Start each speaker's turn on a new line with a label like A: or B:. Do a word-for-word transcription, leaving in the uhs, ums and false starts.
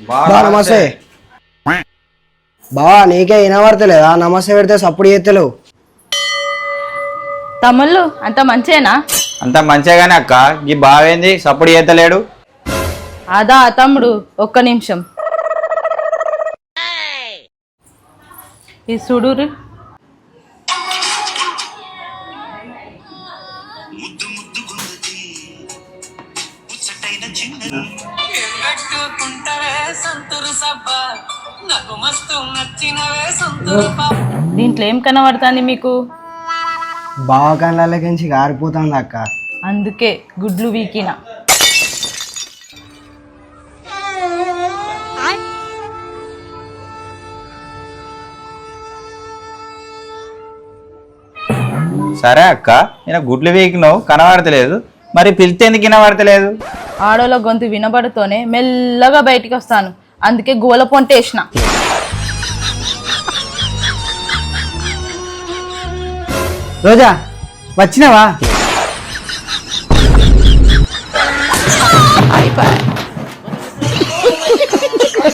A: బా నమస్తే బావా నీకే వినబడతలేదా నమస్తే పెడితే సప్పుడు చేస్తలేవు
B: తమ్ముళ్ళు అంత మంచేనా
C: అంత మంచిగానే అక్క ఈ బావేంది సప్పుడు చేతలేడు
B: అదా తమ్ముడు ఒక్క నిమిషం ఈ సుడూరు దీంట్లో ఏం కనబడుతుంది మీకు
A: బావ కళ్ళకి గారిపోతుంది అక్క
B: అందుకే గుడ్లు వీకిన
C: సరే అక్క నేను గుడ్లు వీకినావు కనబడతలేదు మరి పిలిస్తే ఎందుకు వినబడతలేదు
B: ఆడోళ్ళ గొంతు వినబడుతూనే మెల్లగా బయటికి వస్తాను అందుకే గోల పొంటేసిన
A: రోజా వచ్చినావా